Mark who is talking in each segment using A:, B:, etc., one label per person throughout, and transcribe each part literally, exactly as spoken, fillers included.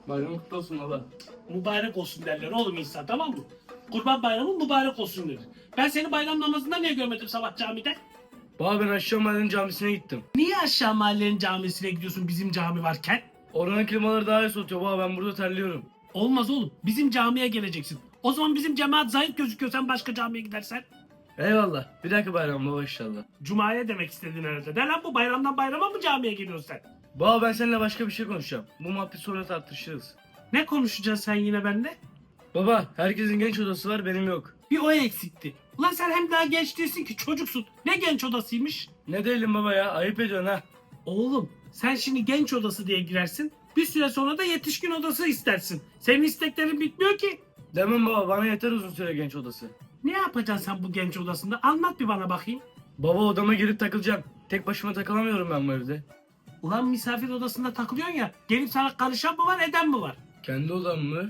A: Bayram kutlu olsun baba.
B: Mübarek olsun derler oğlum insan, tamam mı? Kurban bayramı mübarek olsun denir. Ben seni bayram namazında niye görmedim sabah camide?
A: Baba ben aşağı mahallenin camisine gittim.
B: Niye aşağı mahallenin camisine gidiyorsun bizim cami varken?
A: Oranın klimaları daha iyi soğutuyor baba, ben burada terliyorum.
B: Olmaz oğlum, bizim camiye geleceksin. O zaman bizim cemaat zayıf gözüküyor, sen başka camiye gidersen.
A: Eyvallah. Bir dahaki bayram baba inşallah.
B: Cuma'ya demek istedin herhalde. De lan, bu bayramdan bayrama mı camiye geliyorsun sen?
A: Baba ben seninle başka bir şey konuşacağım. Bu muhabbet sonra tartışırız.
B: Ne konuşacaksın sen yine bende?
A: Baba herkesin genç odası var, benim yok.
B: Bir o eksikti. Ulan sen hem daha genç değilsin ki, çocuksun. Ne genç odasıymış?
A: Ne değilim baba ya, ayıp ediyorsun ha.
B: Oğlum sen şimdi genç odası diye girersin. Bir süre sonra da yetişkin odası istersin. Senin isteklerin bitmiyor ki.
A: Demem baba, bana yeter uzun süre genç odası.
B: Ne yapacaksın sen bu genç odasında? Anlat bir bana bakayım.
A: Baba odama girip takılacağım. Tek başıma takılamıyorum ben bu evde.
B: Ulan misafir odasında takılıyorsun ya. Gelip sana karışan mı var, eden mi var?
A: Kendi odam mı?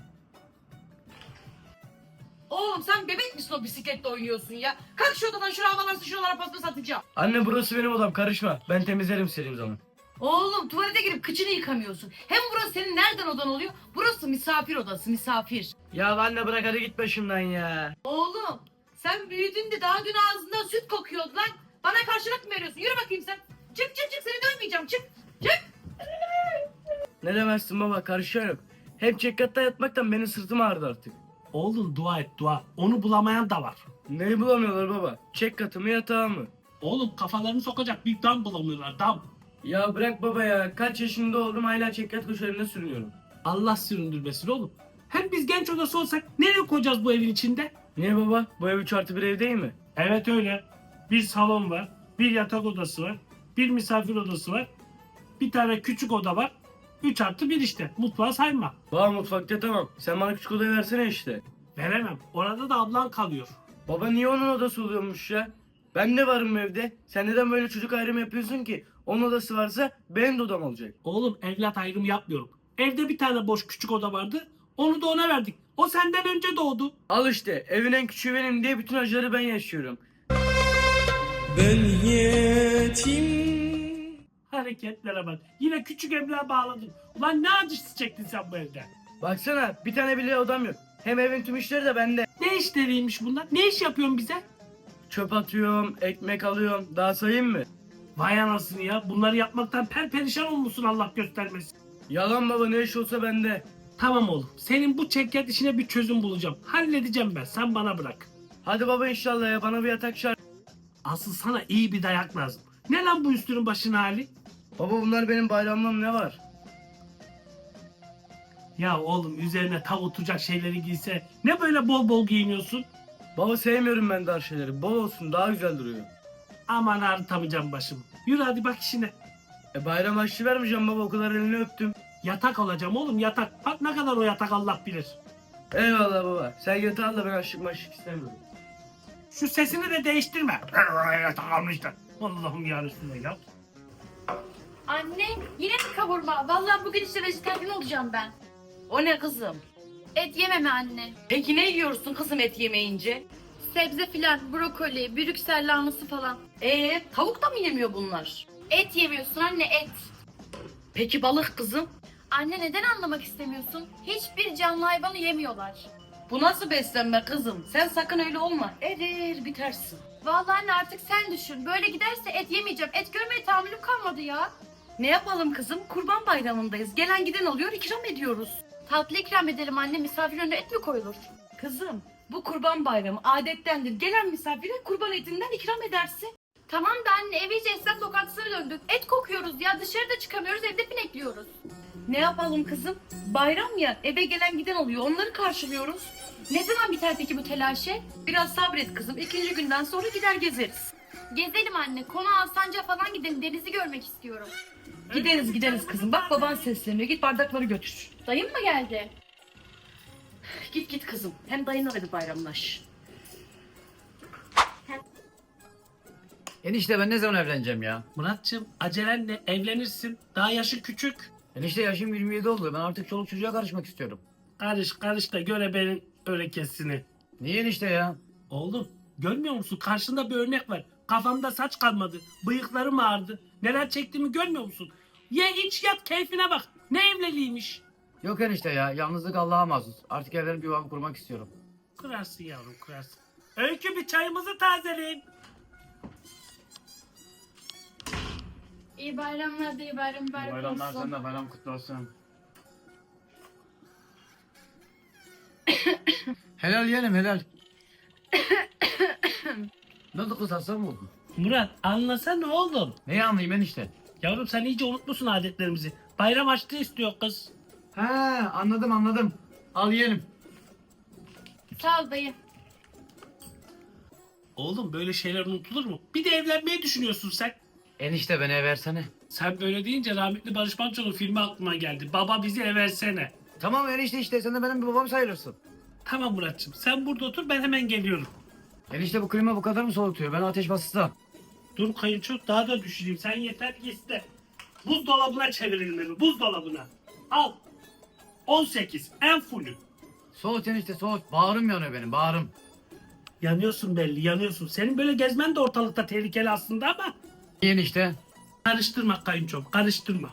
C: Oğlum sen bebek misin o bisikletle oynuyorsun ya? Kalk şu odadan, şuraya havalarsın, şuralara paspas atacağım.
A: Anne burası benim odam, karışma. Ben temizlerim istediğim zaman.
C: Oğlum tuvalete girip kıçını yıkamıyorsun. Hem burası senin nereden odan oluyor? Burası misafir odası, misafir.
A: Ya anne bırak hadi git başımdan ya.
C: Oğlum sen büyüdün de daha dün ağzından süt kokuyordu lan. Bana karşılık mı veriyorsun? Yürü bakayım sen. Çık çık çık, seni dövmeyeceğim, çık. Çık.
A: Ne demezsin baba, karışan yok. Hep çekkatta yatmaktan benim sırtım ağrıdı artık.
B: Oğlum dua et dua. Onu bulamayan da var.
A: Neyi bulamıyorlar baba? Çek katımı yatağı mı?
B: Oğlum kafalarını sokacak bir dam bulamıyorlar, dam.
A: Ya bırak baba ya. Kaç yaşında oldum hala çekkat köşelerinde sürünüyorum.
B: Allah süründürmesin oğlum. Hem biz genç odası olsak nereye koyacağız bu evin içinde?
A: Niye baba? Bu ev üç artı bir ev değil mi?
B: Evet öyle. Bir salon var, bir yatak odası var, bir misafir odası var, bir tane küçük oda var. Üç artı bir işte. Mutfağı sayma.
A: Baba mutfakta tamam. Sen bana küçük odayı versene işte.
B: Veremem. Orada da ablan kalıyor.
A: Baba niye onun odası oluyormuş ya? Ben de varım evde. Sen neden böyle çocuk ayrımı yapıyorsun ki? Onun odası varsa benim de odam olacak.
B: Oğlum evlat ayrımı yapmıyorum. Evde bir tane boş küçük oda vardı. Onu da ona verdik. O senden önce doğdu.
A: Al işte evin en küçüğü benim diye bütün acıları ben yaşıyorum.
D: Ben yetim.
B: Hareketlere bak. Yine küçük evlağa bağladın. Ulan ne acısı çektin sen bu evde?
A: Baksana bir tane bile odam yok. Hem evin tüm işleri de bende.
B: Ne işleriymiş bunlar? Ne iş yapıyorsun bize?
A: Çöp atıyorum, ekmek alıyorum. Daha sayayım mı?
B: Vay anasını ya. Bunları yapmaktan perperişan olmuşsun, Allah göstermesin.
A: Yalan baba, ne iş olsa bende.
B: Tamam oğlum. Senin bu çekyat işine bir çözüm bulacağım. Halledeceğim ben. Sen bana bırak.
A: Hadi baba inşallah ya, bana bir yatak şart.
B: Asıl sana iyi bir dayak lazım. Ne lan bu üstünün başın hali?
A: Baba bunlar benim bayramlığım, ne var?
B: Ya oğlum üzerine tav oturacak şeyleri giyse ne böyle bol bol giyiniyorsun?
A: Baba sevmiyorum ben dar şeyleri. Bol olsun, daha güzel duruyor.
B: Aman ağrıtamayacağım başımı. Yürü hadi bak işine.
A: E bayram harçlığı vermeyeceğim baba, o kadar elini öptüm.
B: Yatak alacağım oğlum, yatak. Bak ne kadar o yatak, Allah bilir.
A: Eyvallah baba. Sen yatağı al da ben aşık maşık istemiyorum.
B: Şu sesini de değiştirme. Yatak almışlar. Allah'ım yarısını ya.
E: Anne yine mi kavurma? Vallahi bugün işte vejetaryen olacağım ben.
C: O ne kızım?
E: Et yememe anne.
C: Peki ne yiyorsun kızım et yemeyince?
E: Sebze filan, brokoli, brüksel lahanası falan.
C: Ee tavuk da mı yemiyor bunlar?
E: Et yemiyorsun anne, et.
C: Peki balık kızım?
E: Anne neden anlamak istemiyorsun? Hiçbir canlı hayvanı yemiyorlar.
C: Bu nasıl beslenme kızım? Sen sakın öyle olma. Erir bitersin.
E: Vallahi anne artık sen düşün. Böyle giderse et yemeyeceğim. Et görmeye tahammülüm kalmadı ya.
C: Ne yapalım kızım? Kurban bayramındayız. Gelen giden oluyor, ikram ediyoruz.
E: Tatlı ikram edelim anne. Misafir önüne et mi koyulur?
C: Kızım bu kurban bayramı adettendir. Gelen misafire kurban etinden ikram edersin.
E: Tamam da anne ev iyice esnaf lokantasına döndük. Et kokuyoruz ya, dışarıda çıkamıyoruz, evde pinekliyoruz.
C: Ne yapalım kızım? Bayram ya, eve gelen giden oluyor. Onları karşılıyoruz.
E: Ne zaman biter peki bu telaşı?
C: Biraz sabret kızım. İkinci günden sonra gider gezeriz.
E: Gezelim anne. Konu Alsancak'a falan gidelim. Denizi görmek istiyorum.
C: Gideriz gideriz kızım. Bak baban sesleniyor. Git bardakları götür.
E: Dayım mı geldi?
C: Git git kızım. Hem dayınla da bir bayramlaş.
F: Enişte ben ne zaman evleneceğim ya?
B: Muratçım acelenle evlenirsin. Daha yaşı küçük.
F: Enişte yaşım yirmi yedi oldu. Ben artık çoluk çocuğa karışmak istiyorum.
B: Karış karış da göre benim örekesini.
F: Niye enişte ya?
B: Oğlum görmüyor musun? Karşında bir örnek var. Kafamda saç kalmadı. Bıyıklarım ağardı. Neler çektiğimi görmüyor musun? Ye iç yat keyfine bak. Ne evliliğiymiş.
F: Yok enişte ya, yalnızlık Allah'a mahsus. Artık evlenip yuvamı kurmak istiyorum.
B: Kurarsın yavrum, kurarsın. Öykü, bir çayımızı tazeleyin.
E: İyi bayramlar da iyi bayram bayram
F: Bayramlar
E: olsun.
F: sen de bayram kutlu olsun. Helal yeğenim helal. Ne oldu kız, hasta mı oldun?
B: Murat, anlasana oğlum.
F: Neyi anlayayım enişte?
B: Yavrum sen iyice unutmuşsun adetlerimizi. Bayram açlığı istiyor kız.
F: He anladım anladım. Al yiyelim.
E: Sağ ol dayı.
B: Oğlum böyle şeyler unutulur mu? Bir de evlenmeyi düşünüyorsun sen.
F: Enişte beni versene.
B: Sen böyle deyince rahmetli Barış Manço'nun filmi aklıma geldi. Baba bizi eversene.
F: Tamam enişte, işte sen de benim bir babam sayılırsın.
B: Tamam Muratçım, sen burada otur, ben hemen geliyorum.
F: Enişte bu klima bu kadar mı soğutuyor? Ben ateş bastı.
B: Dur kayınço, daha da düşüreyim. Sen yeter ki iste. Buzdolabına çevirelim evi, buzdolabına. Al. on sekiz, en fullü.
F: Soğut enişte soğut. Bağrım yanıyor benim, bağrım.
B: Yanıyorsun belli, yanıyorsun. Senin böyle gezmen de ortalıkta tehlikeli aslında ama...
F: Enişte.
B: Karıştırma kayınçom, karıştırma.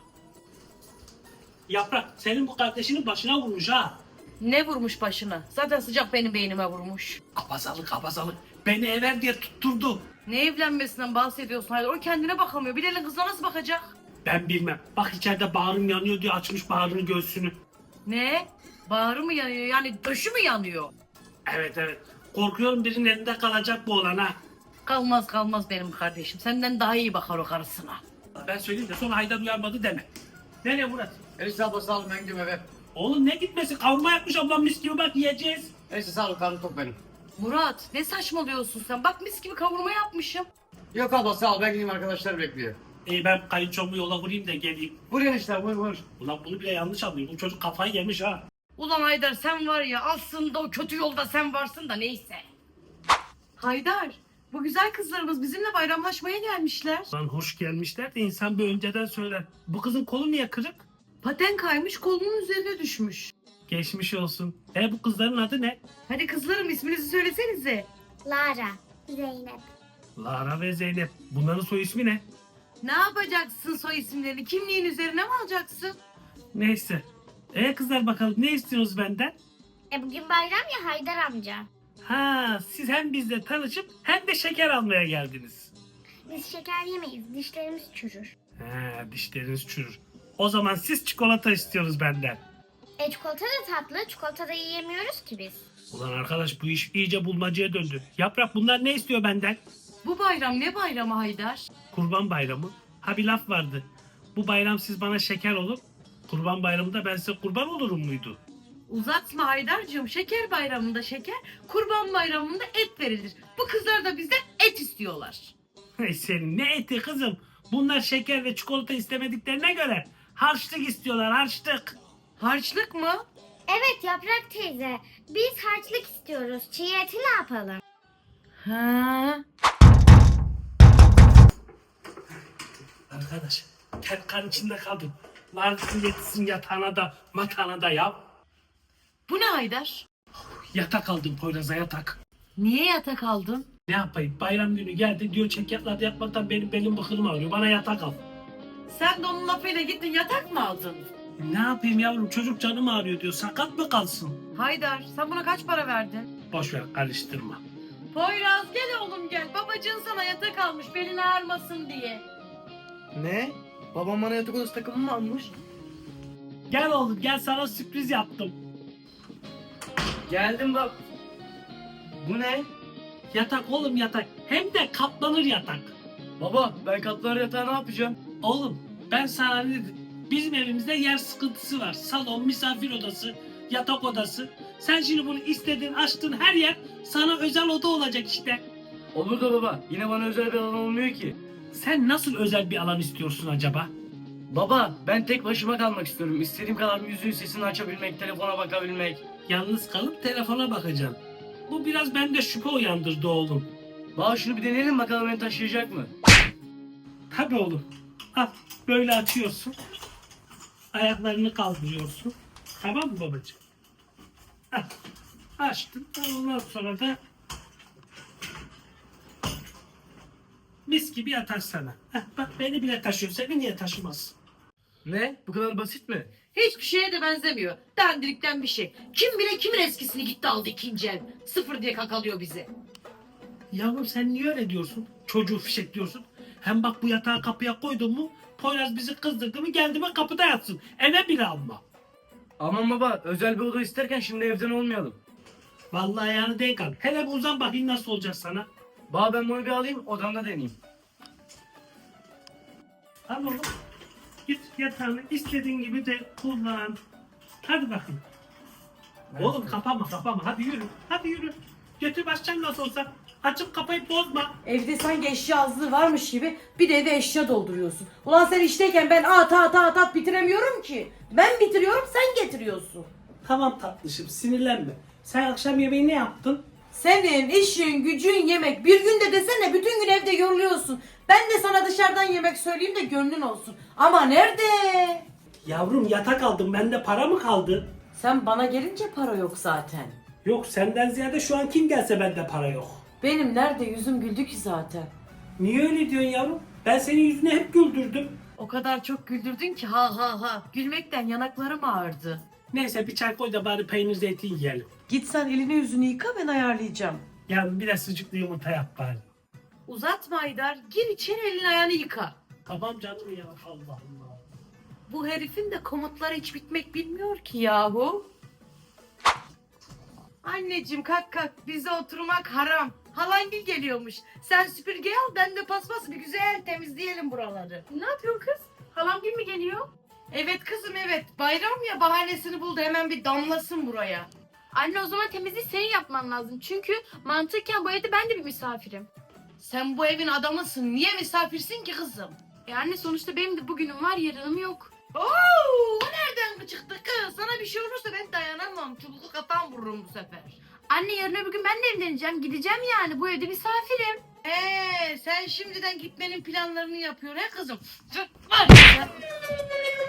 B: Yaprak, senin bu kardeşinin başına vurmuş ha.
C: Ne vurmuş başına? Zaten sıcak benim beynime vurmuş.
B: Abazalık, abazalık. Beni ever diye tutturdu.
C: Ne evlenmesinden bahsediyorsun Haydar? O kendine bakamıyor. Bir elin kızına nasıl bakacak?
B: Ben bilmem. Bak içeride bağrım yanıyor diye açmış bağrını göğsünü.
C: Ne? Bağrı mı yanıyor? Yani döşü mü yanıyor?
B: Evet evet. Korkuyorum birinin elinde kalacak bu olan ha.
C: Kalmaz kalmaz benim kardeşim. Senden daha iyi bakar o karısına.
B: Ben söyleyeyim de sonra Haydar uyarmadı deme. Nereye Murat?
F: Enişte abla sağ ol, ben gidiyorum eve.
B: Oğlum ne gitmesi? Kavurma yapmış ablam mis gibi, bak yiyeceğiz.
F: Enişte sağ ol, karnım tok benim.
C: Murat ne saçmalıyorsun sen? Bak mis gibi kavurma yapmışım.
F: Yok abla sağ ol, ben gideyim, arkadaşlar bekliyor.
B: İyi ben kayınçomu yola vurayım da geleyim.
F: Vur enişte vur vur.
B: Ulan bunu bile yanlış anlıyor. Bu çocuk kafayı yemiş ha.
C: Ulan Haydar sen var ya aslında o kötü yolda sen varsın da neyse. Haydar bu güzel kızlarımız bizimle bayramlaşmaya gelmişler.
B: Lan hoş gelmişler de insan bir önceden söyler. Bu kızın kolu niye kırık?
C: Paten kaymış kolunun üzerine düşmüş.
B: Geçmiş olsun. E bu kızların adı ne?
C: Hadi kızlarım isminizi söylesenize.
G: Lara, Zeynep.
B: Lara ve Zeynep. Bunların soy ismi ne?
C: Ne yapacaksın soy isimlerini? Kimliğin üzerine mi alacaksın?
B: Neyse. E kızlar bakalım ne istiyorsunuz benden?
G: E bugün bayram ya Haydar amca.
B: Ha, siz hem bizle tanışıp hem de şeker almaya geldiniz.
G: Biz şeker yemeyiz, dişlerimiz çürür.
B: Ha, dişleriniz çürür. O zaman siz çikolata istiyoruz benden.
G: E çikolata da tatlı, çikolata da yiyemiyoruz ki biz.
B: Ulan arkadaş bu iş iyice bulmacaya döndü. Yaprak bunlar ne istiyor benden?
C: Bu bayram ne bayramı Haydar?
B: Kurban bayramı. Ha bir laf vardı. Bu bayram siz bana şeker olun. Kurban bayramında ben size kurban olurum muydu?
C: Uzatma Haydar'cığım. Şeker bayramında şeker, kurban bayramında et verilir. Bu kızlar da bizden et istiyorlar.
B: Hey senin ne eti kızım? Bunlar şeker ve çikolata istemediklerine göre harçlık istiyorlar, harçlık.
C: Harçlık mı?
G: Evet Yaprak teyze, biz harçlık istiyoruz. Çiğ eti ne yapalım?
C: Ha.
B: Arkadaş ter kan içinde kaldım. Lanetin yetişsin yatağına da matağına da ya.
C: Bu ne Haydar?
B: Yatak aldım Poyraz'a, yatak.
C: Niye yatak aldın?
B: Ne yapayım, bayram günü geldi diyor çek yatlarda yatmaktan benim belim bıkılım ağrıyor, bana yatak al.
C: Sen de onun lafıyla gittin yatak mı aldın?
B: Ne yapayım yavrum, çocuk canım ağrıyor diyor, sakat mı kalsın?
C: Haydar sen buna kaç para verdin?
B: Boş ver, karıştırma.
C: Poyraz gel oğlum gel. Babacığın sana yatak almış belin ağrımasın diye.
A: Ne? Babam bana yatak odası takımı mı almış?
B: Gel oğlum gel, sana sürpriz yaptım.
A: Geldim bak. Bu ne?
B: Yatak oğlum, yatak, hem de katlanır yatak.
A: Baba ben katlar yatağı ne yapacağım?
B: Oğlum ben sana ne dedim? Bizim evimizde yer sıkıntısı var. Salon, misafir odası, yatak odası. Sen şimdi bunu istedin, açtın, her yer sana özel oda olacak işte.
A: Olur da baba yine bana özel bir alan olmuyor ki.
B: Sen nasıl özel bir alan istiyorsun acaba?
A: Baba ben tek başıma kalmak istiyorum. İstediğim kadar müziğin sesini açabilmek, telefona bakabilmek.
B: Yalnız kalıp telefona bakacaksın. Bu biraz bende şüphe uyandırdı oğlum.
A: Baba şunu bir deneyelim bakalım beni taşıyacak mı?
B: Tabii oğlum. Al böyle açıyorsun. Ayaklarını kaldırıyorsun. Tamam mı babacığım? Hah, açtın. Ondan sonra da mis gibi yatar sana. Heh, bak beni bile taşıyor. Seni niye taşımaz?
A: Ne? Bu kadar basit mi?
C: Hiçbir şeye de benzemiyor. Dandirikten bir şey. Kim bile kimin eskisini gitti aldı ikinci el. Sıfır diye kakalıyor bizi.
B: Yavrum sen niye öyle diyorsun? Çocuğu fişekliyorsun. Hem bak bu yatağı kapıya koydun mu Poyraz bizi kızdırdı mı geldi mi kapıda yatsın. Eve bile alma.
A: Aman baba, özel bir oda isterken şimdi evden olmayalım.
B: Vallahi yani denk al. Hele bir uzan bakayım nasıl olacak sana.
A: Baba ben bunu bir alayım, odamda deneyeyim.
B: Al oğlum. Git yatağını istediğin gibi de kullan. Hadi bakayım. Oğlum kapama kapama hadi yürü. Hadi yürü. Götür başcan nasıl olsa. Açıp kapayıp bozma.
H: Evde sanki eşya azlığı varmış gibi bir de eve eşya dolduruyorsun. Ulan sen işteyken ben at at at at bitiremiyorum ki. Ben bitiriyorum sen getiriyorsun.
B: Tamam tatlışım sinirlenme. Sen akşam yemeği ne yaptın?
H: Senin işin gücün yemek. Bir günde desene bütün gün evde yoruluyorsun. Ben de sana dışarıdan yemek söyleyeyim de gönlün olsun. Ama nerede?
B: Yavrum yatak aldım bende para mı kaldı?
H: Sen bana gelince para yok zaten.
B: Yok senden ziyade şu an kim gelse bende para yok.
H: Benim nerede yüzüm güldü ki zaten.
B: Niye öyle diyorsun yavrum? Ben senin yüzünü hep güldürdüm.
C: O kadar çok güldürdün ki ha ha ha. Gülmekten yanaklarım ağrıdı.
B: Neyse bir çay koy da bari peynir zeytin yiyelim.
H: Git sen elini yüzünü yıka ben ayarlayacağım.
B: Yavrum bir de sucuklu yumurta yap bari.
C: Uzatma Haydar. Gir içeri elini ayağını yıka.
B: Tamam canım ya Allah Allah.
C: Bu herifin de komutları hiç bitmek bilmiyor ki yahu. Anneciğim kalk kalk. Bize oturmak haram. Halangil geliyormuş. Sen süpürge al ben de paspas bir güzel temizleyelim buraları.
E: Ne yapıyorsun kız? Halam gün mü geliyor?
C: Evet kızım evet. Bayram ya bahanesini buldu hemen bir damlasın buraya.
E: Anne o zaman temizliği senin yapman lazım. Çünkü mantıken bu evde ben de bir misafirim.
C: Sen bu evin adamısın. Niye misafirsin ki kızım?
E: E anne sonuçta benim de bugünüm var yarınım yok.
C: Oo, o nereden çıktı kız? Sana bir şey olursa ben dayanamam. Çubuklu kafam vururum bu sefer.
E: Anne yarın öbür gün ben de evleneceğim. Gideceğim yani bu evde misafirim.
C: Ee, sen şimdiden gitmenin planlarını yapıyorsun he kızım? Var ya.